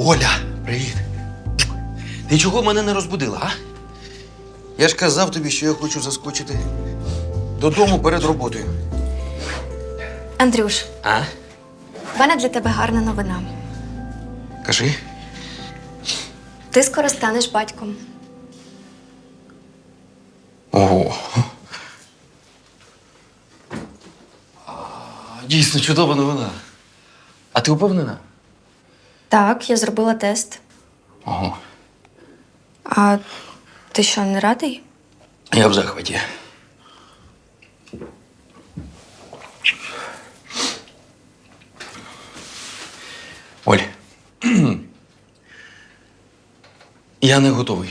Оля, привіт. Ти чого мене не розбудила, а? Я ж казав тобі, що я хочу заскочити додому перед роботою. Андрюш, А? в мене для тебе гарна новина. Кажи. Ти скоро станеш батьком. Ого. Дійсно, чудова новина. А ти упевнена? Так, я зробила тест. Ого. А ти що, не радий? Я в захваті. Оль. Я не готовий.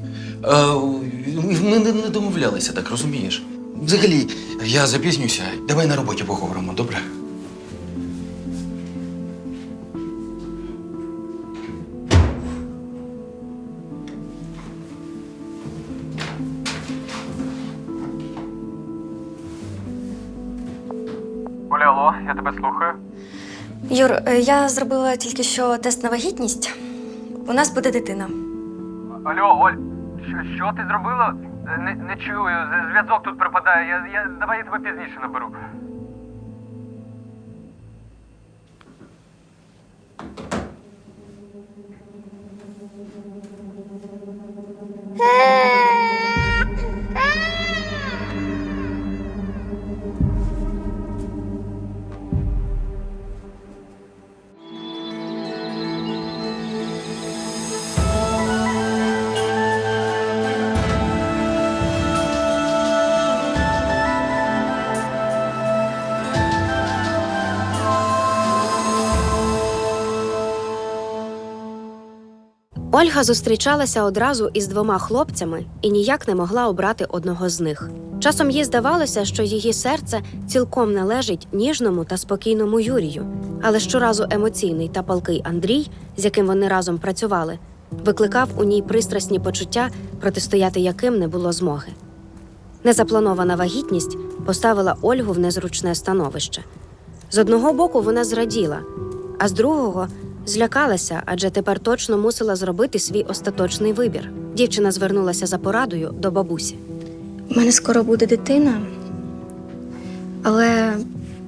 Ми не домовлялися, так розумієш? Взагалі, я запізнюся. Давай на роботі поговоримо, добре? Оля, алло, я тебе слухаю. Юр, я зробила тільки що тест на вагітність. У нас буде дитина. Алло, Оль, що ти зробила? Не чую, зв'язок тут пропадає. Давай я тебе пізніше наберу. Ольга зустрічалася одразу із 2 хлопцями і ніяк не могла обрати одного з них. Часом їй здавалося, що її серце цілком належить ніжному та спокійному Юрію. Але щоразу емоційний та палкий Андрій, з яким вони разом працювали, викликав у ній пристрасні почуття, протистояти яким не було змоги. Незапланована вагітність поставила Ольгу в незручне становище. З одного боку вона зраділа, а з другого – злякалася, адже тепер точно мусила зробити свій остаточний вибір. Дівчина звернулася за порадою до бабусі. У мене скоро буде дитина, але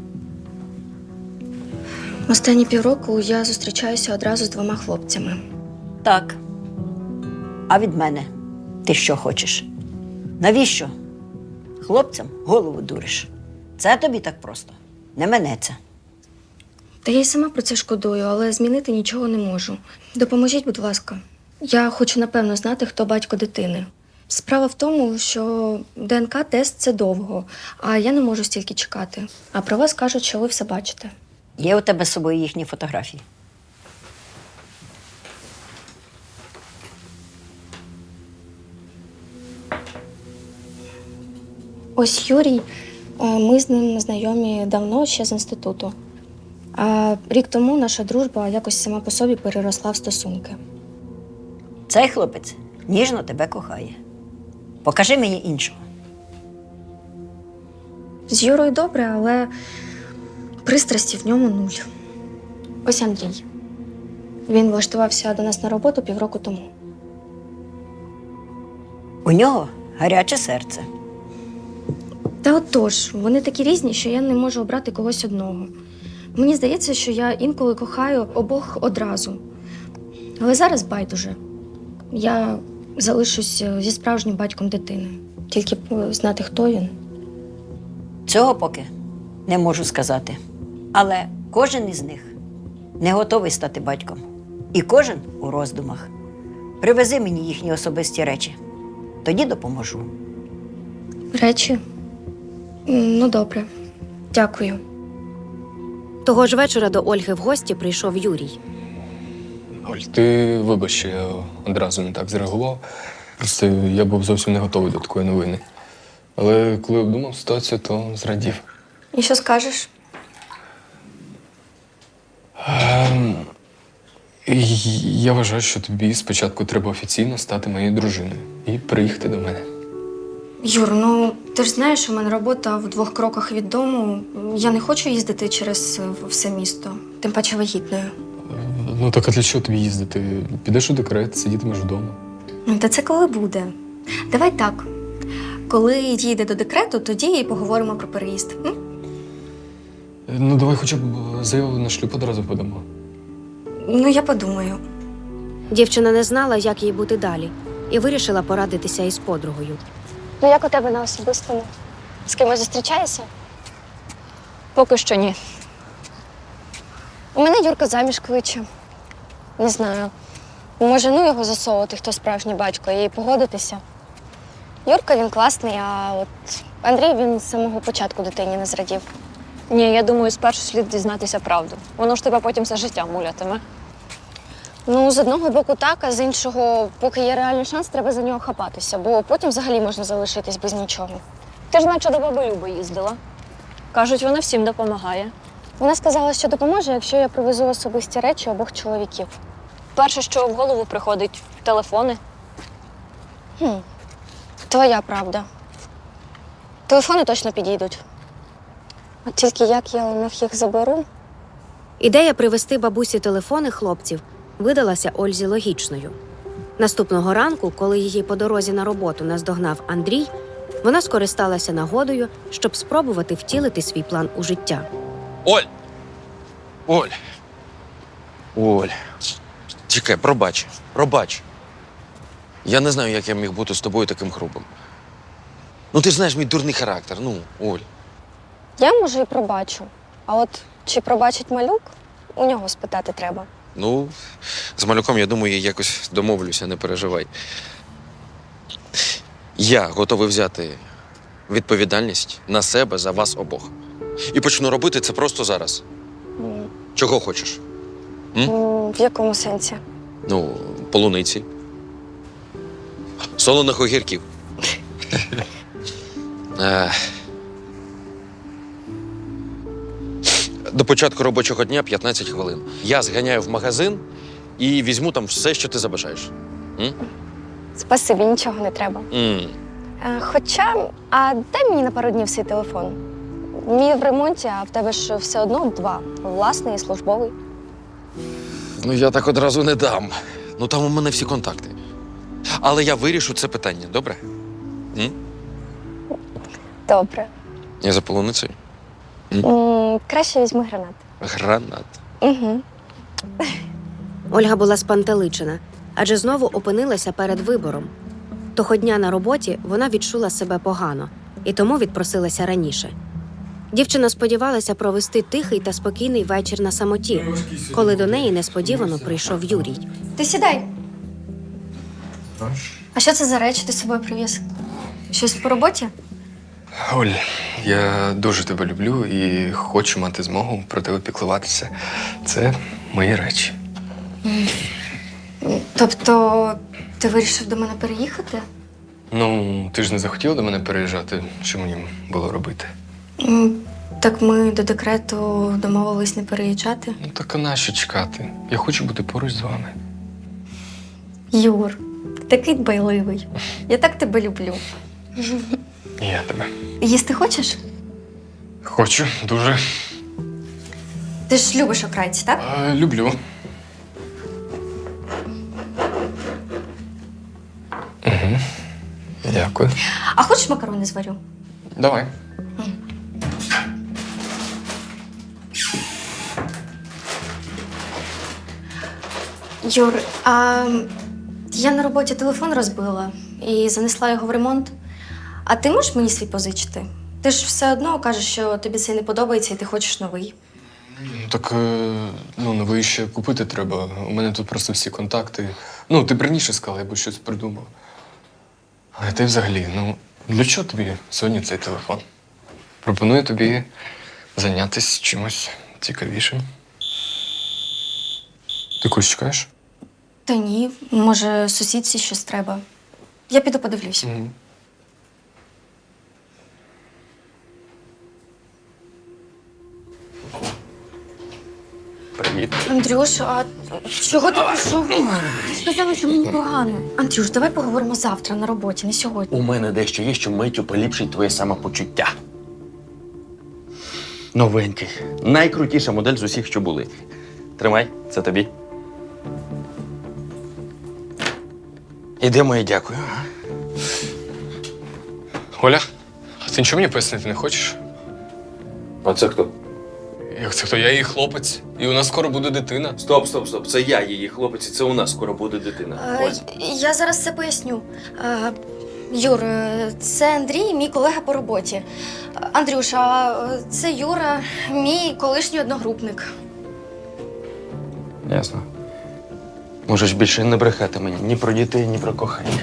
останні півроку я зустрічаюся одразу з 2 хлопцями. Так. А від мене ти що хочеш? Навіщо? Хлопцям голову дуриш. Це тобі так просто не минеться. Та я й сама про це шкодую, але змінити нічого не можу. Допоможіть, будь ласка. Я хочу напевно знати, хто батько дитини. Справа в тому, що ДНК-тест – це довго, а я не можу стільки чекати. А про вас кажуть, що ви все бачите. Є у тебе з собою їхні фотографії? Ось Юрій, ми з ним знайомі давно, ще з інституту. А рік тому наша дружба якось сама по собі переросла в стосунки. Цей хлопець ніжно тебе кохає. Покажи мені іншого. З Юрою добре, але пристрасті в ньому 0. Ось Андрій. Він влаштувався до нас на роботу півроку тому. У нього гаряче серце. Та отож, вони такі різні, що я не можу обрати когось одного. Мені здається, що я інколи кохаю обох одразу. Але зараз байдуже. Я залишусь зі справжнім батьком дитини. Тільки б знати, хто він. Цього поки не можу сказати. Але кожен із них не готовий стати батьком. І кожен у роздумах. Привези мені їхні особисті речі. Тоді допоможу. Речі? Ну, добре. Дякую. Того ж вечора до Ольги в гості прийшов Юрій. Оль, ти вибач, що я одразу не так зреагував. Просто я був зовсім не готовий до такої новини. Але коли обдумав ситуацію, то зрадів. І що скажеш? Я вважаю, що тобі спочатку треба офіційно стати моєю дружиною і приїхати до мене. Юр, ну ти ж знаєш, у мене робота в 2 кроках від дому. Я не хочу їздити через все місто, тим паче вагітною. Ну так а для чого тобі їздити? Підеш у декрет, сидітимеш вдома. Та це коли буде. Давай так. Коли їде до декрету, тоді і поговоримо про переїзд. М? Ну давай хоча б заяву на шлюб одразу подамо. Ну, я подумаю. Дівчина не знала, як їй бути далі, і вирішила порадитися із подругою. Ну, як у тебе на особистому? З кимось зустрічаєшся? Поки що ні. У мене Юрка заміж кличе. Не знаю. Може, ну його засовувати, хто справжній батько, і погодитися. Юрка, він класний, а от Андрій, він з самого початку дитині не зрадів. Ні, я думаю, спершу слід дізнатися правду. Воно ж тебе потім все життя мулятиме. Ну, з одного боку так, а з іншого, поки є реальний шанс, треба за нього хапатися, бо потім взагалі можна залишитись без нічого. Ти ж наче до баби Люби їздила. Кажуть, вона всім допомагає. Вона сказала, що допоможе, якщо я привезу особисті речі обох чоловіків. Перше, що в голову приходить – телефони. Твоя правда. Телефони точно підійдуть. От тільки як я у них їх заберу? Ідея привезти бабусі телефони хлопців видалася Ользі логічною. Наступного ранку, коли її по дорозі на роботу наздогнав Андрій, вона скористалася нагодою, щоб спробувати втілити свій план у життя. Оль! Оль! Оль! Чекай, пробач. Я не знаю, як я міг бути з тобою таким грубим. Ну, ти ж знаєш мій дурний характер. Ну, Оль. Я, може, і пробачу. А от чи пробачить малюк, у нього спитати треба. Ну, з малюком, я думаю, я якось домовлюся, не переживай. Я готовий взяти відповідальність на себе за вас обох. І почну робити це просто зараз. Чого хочеш? В якому сенсі? Ну, полуниці. Солоних огірків. До початку робочого дня 15 хвилин. Я зганяю в магазин і візьму там все, що ти забажаєш. Спасибі, нічого не треба. Хоча, а дай мені на пару днів свій телефон. Мій в ремонті, а в тебе ж все одно 2. Власний і службовий. Ну, я так одразу не дам. Ну, там у мене всі контакти. Але я вирішу це питання, добре? Добре. Я за полуницею? Краще візьми гранат. Гранат. Угу. Ольга була спантеличена, адже знову опинилася перед вибором. Того дня на роботі вона відчула себе погано і тому відпросилася раніше. Дівчина сподівалася провести тихий та спокійний вечір на самоті, коли до неї несподівано прийшов Юрій. Ти сідай. А що це за речі ти з собою привіз? Щось по роботі? Оль, я дуже тебе люблю і хочу мати змогу про тебе піклуватися. Це мої речі. Тобто, ти вирішив до мене переїхати? Ну, ти ж не захотіла до мене переїжджати, що мені було робити? Так ми до декрету домовились не переїжджати. Ну так а нащо чекати? Я хочу бути поруч з вами. Юр, ти такий дбайливий. Я так тебе люблю. І я тебе. Їсти хочеш? Хочу, дуже. Ти ж любиш окрайці, так? Люблю. Угу. Дякую. А хочеш макарони зварю? Давай. Юр, а я на роботі телефон розбила і занесла його в ремонт. А ти можеш мені свій позичити? Ти ж все одно кажеш, що тобі це не подобається і ти хочеш новий. Так, новий ще купити треба. У мене тут просто всі контакти. Ну, ти б раніше сказала, я б щось придумав. Але ти взагалі, для чого тобі сьогодні цей телефон? Пропоную тобі зайнятися чимось цікавішим. Ти когось чекаєш? Та ні, може, сусідці щось треба. Я піду подивлюсь. Угу. Привіт. Андрюш, а чого ти пішов? Ти сказала, що мені погано. Андрюш, давай поговоримо завтра на роботі, не сьогодні. У мене дещо є, що миттю поліпшить твоє самопочуття. Новенький. Найкрутіша модель з усіх, що були. Тримай, це тобі. Ідемо і дякую. Оля, а ти нічого мені пояснити не хочеш? А це хто? Як це хто? Я її хлопець, і у нас скоро буде дитина. Стоп. Це я її хлопець, і це у нас скоро буде дитина. Я зараз все поясню. Юр, це Андрій, мій колега по роботі. Андрюша, це Юра, мій колишній одногрупник. Ясно. Можеш більше не брехати мені ні про дітей, ні про кохання.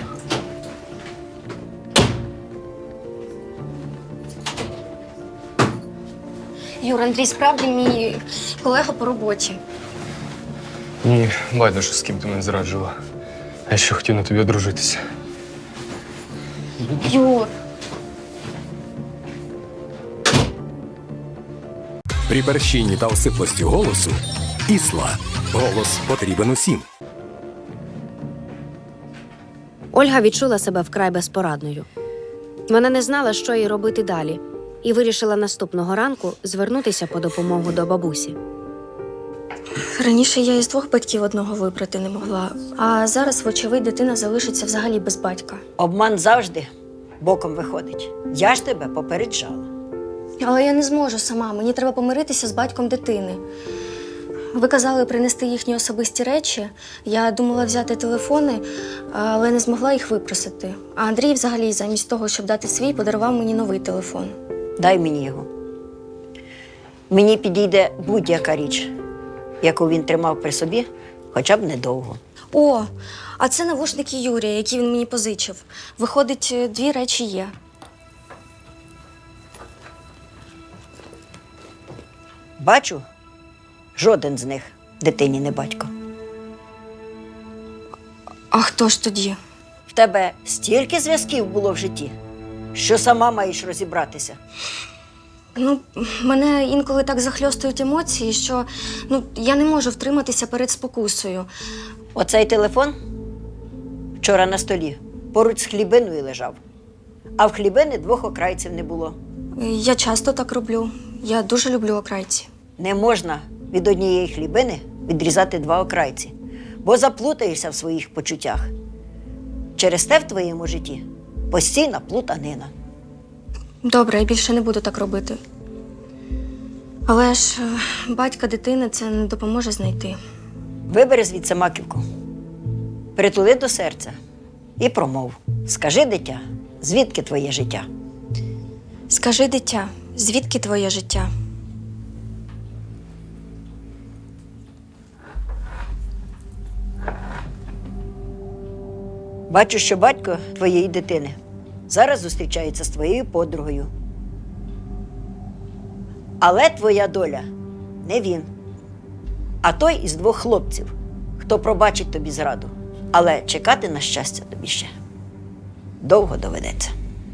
Юр, Андрій справді мій колега по роботі. Ні, байдуже, з ким ти мене зраджувала. Я ще хотів на тобі одружитися. Юр. При перщині та осиплості голосу Ісла. Голос потрібен усім. Ольга відчула себе вкрай безпорадною. Вона не знала, що їй робити далі, і вирішила наступного ранку звернутися по допомогу до бабусі. Раніше я із двох батьків одного вибрати не могла, а зараз, вочевидь, дитина залишиться взагалі без батька. Обман завжди боком виходить. Я ж тебе попереджала. Але я не зможу сама, мені треба помиритися з батьком дитини. Ви казали принести їхні особисті речі. Я думала взяти телефони, але не змогла їх випросити. А Андрій взагалі замість того, щоб дати свій, подарував мені новий телефон. Дай мені його. Мені підійде будь-яка річ, яку він тримав при собі, хоча б недовго. О, а це навушники Юрія, які він мені позичив. Виходить, 2 речі є. Бачу, жоден з них дитині не батько. А хто ж тоді? В тебе стільки зв'язків було в житті, що сама маєш розібратися. Мене інколи так захльостують емоції, що я не можу втриматися перед спокусою. Оцей телефон вчора на столі поруч з хлібиною лежав, а в хлібини 2 окрайців не було. Я часто так роблю. Я дуже люблю окрайці. Не можна від однієї хлібини відрізати 2 окрайці, бо заплутаєшся в своїх почуттях. Через те в твоєму житті постійна плутанина. Добре, я більше не буду так робити. Але ж батька дитини це не допоможе знайти. Вибери звідси маківку, притули до серця і промов. Скажи, дитя, звідки твоє життя? Скажи, дитя, звідки твоє життя? Бачу, що батько твоєї дитини зараз зустрічається з твоєю подругою. Але твоя доля не він, а той із 2 хлопців, хто пробачить тобі зраду. Але чекати на щастя тобі ще довго доведеться.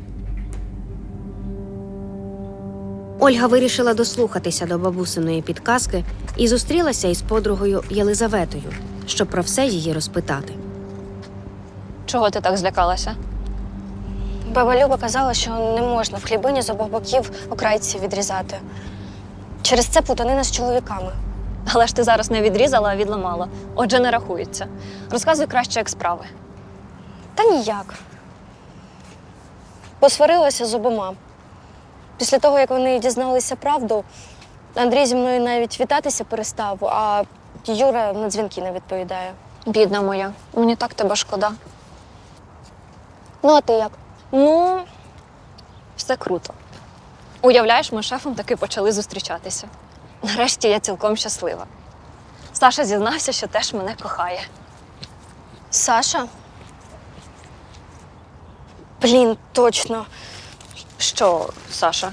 Ольга вирішила дослухатися до бабусиної підказки і зустрілася із подругою Єлизаветою, щоб про все її розпитати. Чого ти так злякалася? Баба Люба казала, що не можна в хлібині з обох боків окрайці відрізати. Через це плутанина з чоловіками. Але ж ти зараз не відрізала, а відламала. Отже, не рахується. Розказуй краще, як справи. Та ніяк. Посварилася з обома. Після того, як вони дізналися правду, Андрій зі мною навіть вітатися перестав, а Юра на дзвінки не відповідає. Бідна моя, мені так тебе шкода. Ну, а ти як? Ну, все круто. Уявляєш, ми з шефом таки почали зустрічатися. Нарешті я цілком щаслива. Саша зізнався, що теж мене кохає. Саша? Блін, точно. Що, Саша?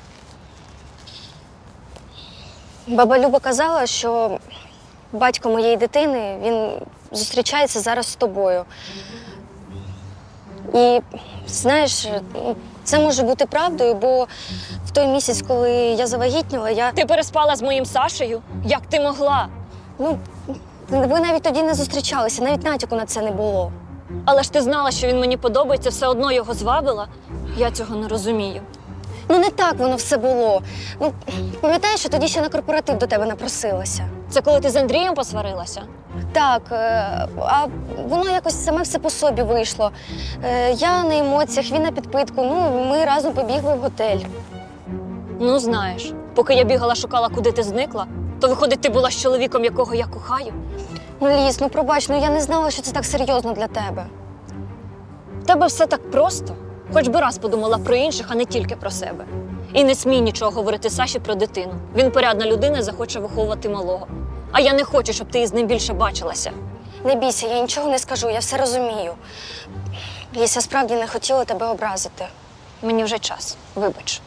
Баба Люба казала, що батько моєї дитини, він зустрічається зараз з тобою. І, знаєш, це може бути правдою, бо в той місяць, коли я завагітніла, Ти переспала з моїм Сашею? Як ти могла? ви навіть тоді не зустрічалися, навіть натяку на це не було. Але ж ти знала, що він мені подобається, все одно його звабила? Я цього не розумію. Не так воно все було. Пам'ятаєш, що тоді ще на корпоратив до тебе напросилася? Це коли ти з Андрієм посварилася? Так, а воно якось саме все по собі вийшло. Я на емоціях, він на підпитку. Ну, ми разом побігли в готель. Ну, знаєш, поки я бігала, шукала, куди ти зникла, то виходить, ти була з чоловіком, якого я кохаю. Ну, Ліс, ну пробач, ну я не знала, що це так серйозно для тебе. В тебе все так просто. Хоч би раз подумала про інших, а не тільки про себе. І не смій нічого говорити Саші про дитину. Він порядна людина і захоче виховувати малого. А я не хочу, щоб ти із ним більше бачилася. Не бійся, я нічого не скажу, я все розумію. Ліс, я справді не хотіла тебе образити. Мені вже час. Вибач.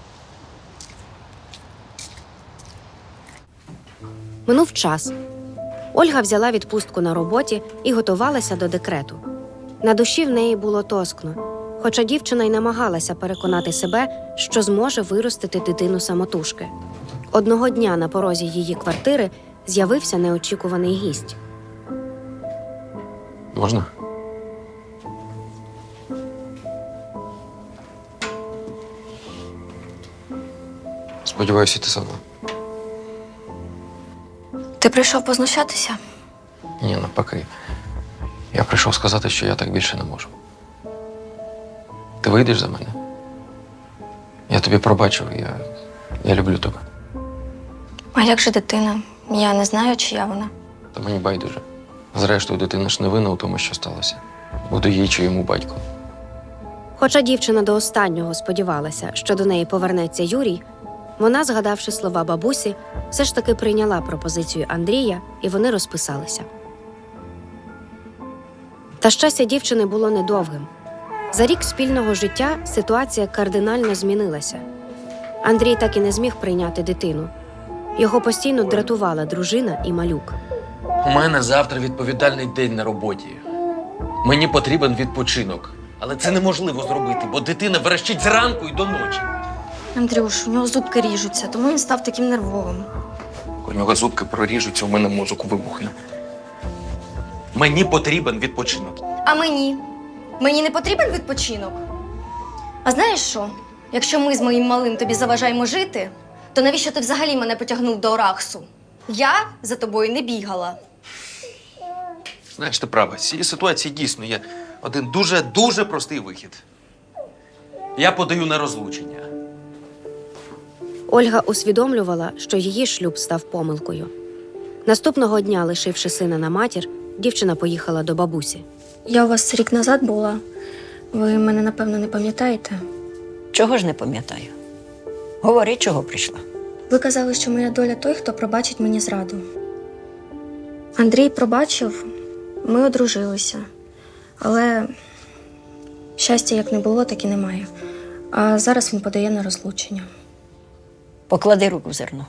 Минув час. Ольга взяла відпустку на роботі і готувалася до декрету. На душі в неї було тоскно, хоча дівчина й намагалася переконати себе, що зможе виростити дитину самотужки. Одного дня на порозі її квартири з'явився неочікуваний гість. Можна? Сподіваюся, ти сама. Ти прийшов познущатися? Ні, навпаки. Я прийшов сказати, що я так більше не можу. Ти вийдеш за мене? Я тобі пробачив, я люблю тебе. А як же дитина? Я не знаю, чия вона. Та мені байдуже. Зрештою, дитина ж не винна у тому, що сталося. Буду їй чи йому батько. Хоча дівчина до останнього сподівалася, що до неї повернеться Юрій, вона, згадавши слова бабусі, все ж таки прийняла пропозицію Андрія, і вони розписалися. Та щастя дівчини було недовгим. За рік спільного життя ситуація кардинально змінилася. Андрій так і не зміг прийняти дитину. Його постійно дратувала дружина і малюк. У мене завтра відповідальний день на роботі. Мені потрібен відпочинок. Але це неможливо зробити, бо дитина верещить зранку і до ночі. Андрюш, у нього зубки ріжуться, тому він став таким нервовим. У нього зубки проріжуться, у мене мозок вибухне. Мені потрібен відпочинок. А мені? Мені не потрібен відпочинок? А знаєш що? Якщо ми з моїм малим тобі заважаємо жити, то навіщо ти взагалі мене потягнув до Ораксу? Я за тобою не бігала. Знаєш, ти права, з цієї ситуації дійсно є один дуже простий вихід. Я подаю на розлучення. Ольга усвідомлювала, що її шлюб став помилкою. Наступного дня, лишивши сина на матір, дівчина поїхала до бабусі. Я у вас рік назад була. Ви мене, напевно, не пам'ятаєте? Чого ж не пам'ятаю? Говори, чого прийшла. Ви казали, що моя доля той, хто пробачить мені зраду. Андрій пробачив, ми одружилися. Але щастя як не було, так і немає. А зараз він подає на розлучення. Поклади руку в зерно.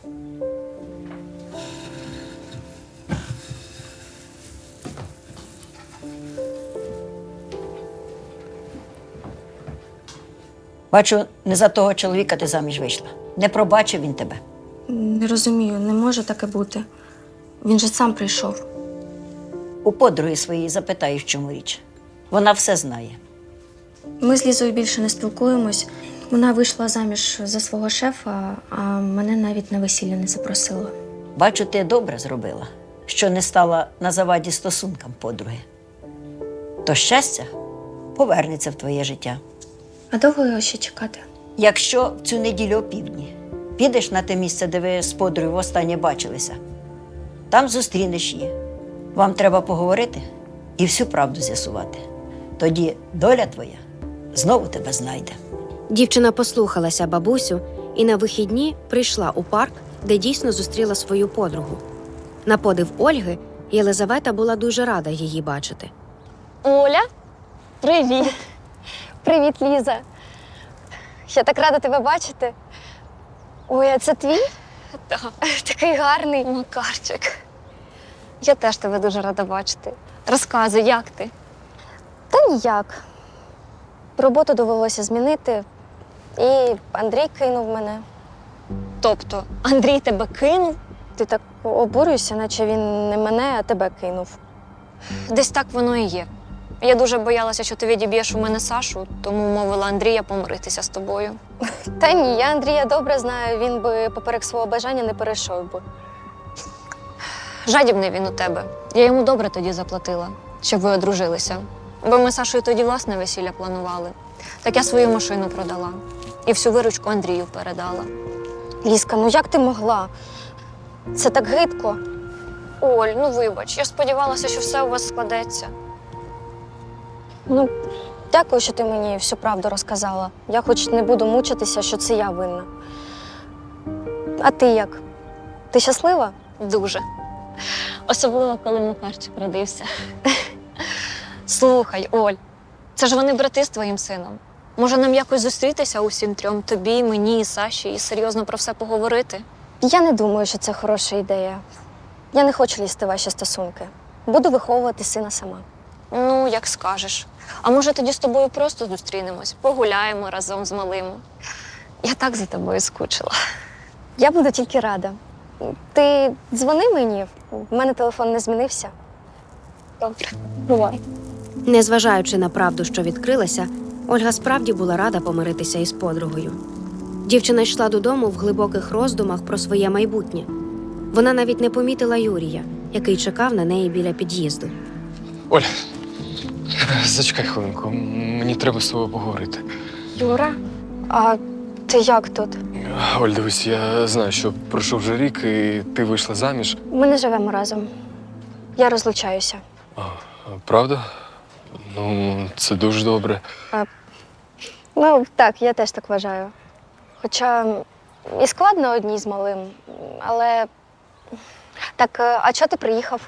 Бачу, не за того чоловіка ти заміж вийшла. Не пробачив він тебе. Не розумію, не може таке бути. Він же сам прийшов. У подруги своєї запитай, в чому річ. Вона все знає. Ми з Лізою більше не спілкуємось. Вона вийшла заміж за свого шефа, а мене навіть на весілля не запросила. Бачу, ти добре зробила, що не стала на заваді стосункам подруги. То щастя повернеться в твоє життя. А довго його ще чекати? Якщо в цю неділю опівдні підеш на те місце, де ви з подругою востаннє бачилися, там зустрінеш її. Вам треба поговорити і всю правду з'ясувати. Тоді доля твоя знову тебе знайде. Дівчина послухалася бабусю і на вихідні прийшла у парк, де дійсно зустріла свою подругу. На подив Ольги, Єлизавета була дуже рада її бачити. Оля, привіт! Привіт, Ліза. Я так рада тебе бачити. Ой, а це твій? Так, Такий гарний. Макарчик. Я теж тебе дуже рада бачити. Розказуй, як ти? Та ніяк. Роботу довелося змінити, і Андрій кинув мене. Тобто, Андрій тебе кинув? Ти так обурюєшся, наче він не мене, а тебе кинув. Десь так воно і є. Я дуже боялася, що ти відіб'єш у мене Сашу, тому мовила Андрія помиритися з тобою. Та ні, я Андрія добре знаю, він би поперек свого бажання не перейшов би. Жадібний він у тебе. Я йому добре тоді заплатила, щоб ви одружилися. Бо ми з Сашою тоді власне весілля планували. Так я свою машину продала і всю виручку Андрію передала. Лізка, ну як ти могла? Це так гидко. Оль, ну вибач, я сподівалася, що все у вас складеться. Ну, дякую, що ти мені всю правду розказала. Я хоч не буду мучитися, що це я винна. А ти як? Ти щаслива? Дуже. Особливо, коли Макарчик родився. Слухай, Оль, це ж вони брати з твоїм сином. Може, нам якось зустрітися усім трьом, тобі, мені і Саші, і серйозно про все поговорити? Я не думаю, що це хороша ідея. Я не хочу лізти в ваші стосунки. Буду виховувати сина сама. Ну, як скажеш. А може, тоді з тобою просто зустрінемось, погуляємо разом з малим. Я так за тобою скучила. Я буду тільки рада. Ти дзвони мені, в мене телефон не змінився. Добре, бувай. Незважаючи на правду, що відкрилася, Ольга справді була рада помиритися із подругою. Дівчина йшла додому в глибоких роздумах про своє майбутнє. Вона навіть не помітила Юрія, який чекав на неї біля під'їзду. Оль, зачекай хвилинку, мені треба з тобою поговорити. Юра, а ти як тут? Оль, дивись, я знаю, що пройшов вже рік, і ти вийшла заміж. Ми не живемо разом. Я розлучаюся. Правда? Ну, це дуже добре. Ну, так, я теж так вважаю. Хоча і складно одній з малим, але. Так, а чого ти приїхав?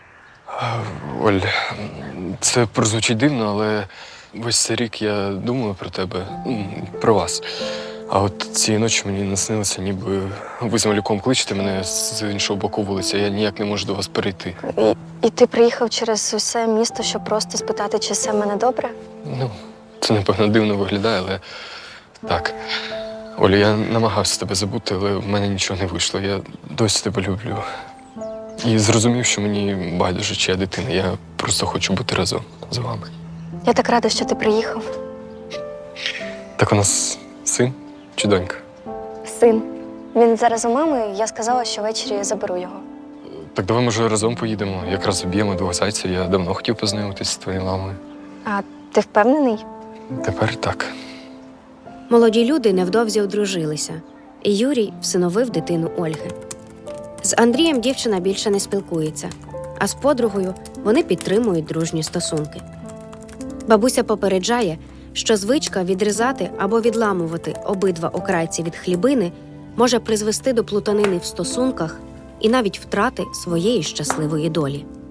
Оль, це прозвучить дивно, але весь цей рік я думаю про тебе, про вас. А от цієї ночі мені наснилося, ніби ви з малюком кличете мене з іншого боку вулиці, а я ніяк не можу до вас перейти. І ти приїхав через усе місто, щоб просто спитати, чи все в мене добре? Ну, це, напевно, дивно виглядає, але так. Олю, я намагався тебе забути, але в мене нічого не вийшло. Я досі тебе люблю. І зрозумів, що мені байдуже, чия дитина. Я просто хочу бути разом з вами. Я так рада, що ти приїхав. Так у нас син чи донька? Син. Він зараз у мами, я сказала, що ввечері заберу його. Так давай, може, разом поїдемо. Якраз об'ємо двох зайців. Я давно хотів познайомитися з твоєю мамою. А ти впевнений? Тепер так. Молоді люди невдовзі одружилися, і Юрій всиновив дитину Ольги. З Андрієм дівчина більше не спілкується, а з подругою вони підтримують дружні стосунки. Бабуся попереджає, що звичка відрізати або відламувати обидва окрайці від хлібини може призвести до плутанини в стосунках і навіть втрати своєї щасливої долі.